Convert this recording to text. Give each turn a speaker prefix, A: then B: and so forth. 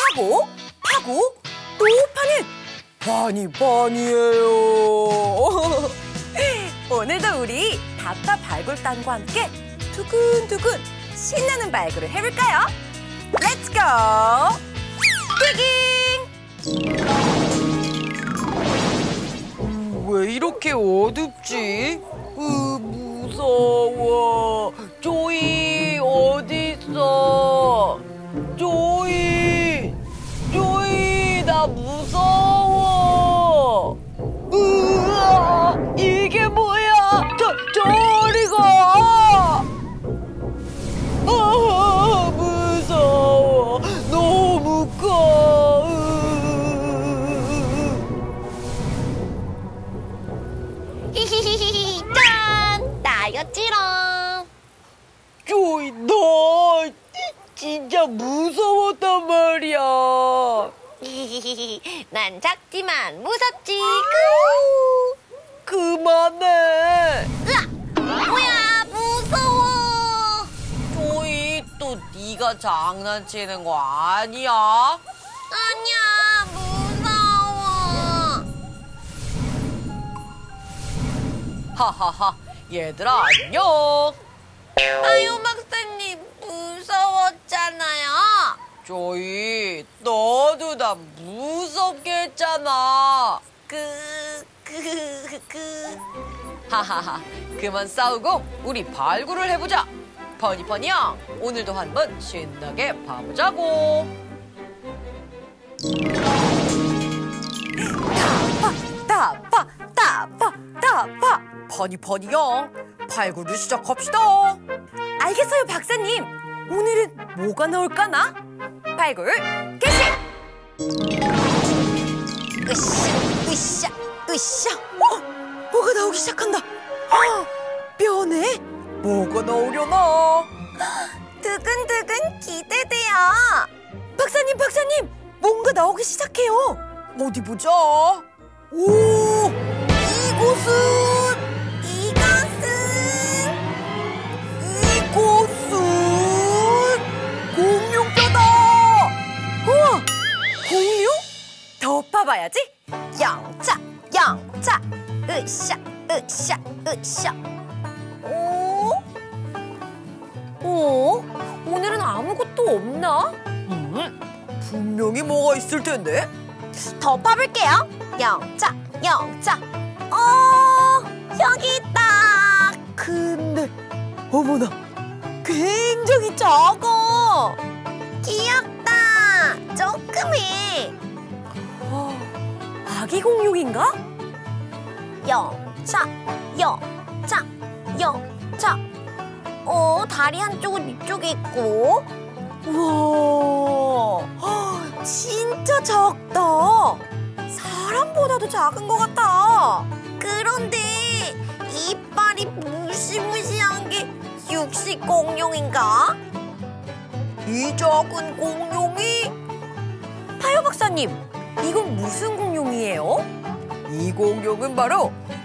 A: 파고, 파고, 또 파는 버니버니예요. 오늘도 우리 다파 발굴단과 함께 두근두근 신나는 발굴을 해볼까요? 렛츠 고! 디깅! 왜 이렇게 어둡지? 무서워. 조이 어딨어? 조이, 나 무서워. 으아, 이게 뭐야? 저리 가! 무서워. 너무 커.
B: 히히히히 짠! 나였지롱.
A: 조이, 너 진짜 무서웠단 말이야.
B: 히히히히 난 작지만 무섭지.
A: 그만해.
B: 으아! 뭐야, 무서워.
A: 조이, 또 네가 장난치는 거 아니야?
B: 아니야, 무서워.
A: 하하하, 얘들아 안녕.
B: 아유, 박사님, 무서웠잖아요.
A: 조이, 너도 나 무섭게 했잖아. 하하하, 그만 싸우고 우리 발굴을 해보자. 버니버니 형, 오늘도 한번 신나게 봐보자고. 다파 버니버니 형, 발굴을 시작합시다. 알겠어요, 박사님. 오늘은 뭐가 나올까나? 발굴 개시! 으쌰. 뭐가 나오기 시작한다. 뼈네? 뭐가 나오려나?
B: 두근두근 기대돼요.
A: 박사님, 뭔가 나오기 시작해요. 어디 보자. 오, 이곳은 공룡뼈다. 우와, 공룡? 더 파봐야지. 영차, 으쌰. 오늘은 아무것도 없나? 분명히 뭐가 있을 텐데.
B: 더 파볼게요. 영차. 여기 있다.
A: 근데 어머나, 굉장히 작아.
B: 귀엽다. 조그매.
A: 아기 공룡인가?
B: 영차. 다리 한쪽은 이쪽에 있고.
A: 우와, 진짜 작다. 사람보다도 작은 것 같아.
B: 그런데 이빨이 무시무시한 게 육식 공룡인가?
A: 이 작은 공룡이? 하여 박사님, 이건 무슨 공룡이에요? 이 공룡은 바로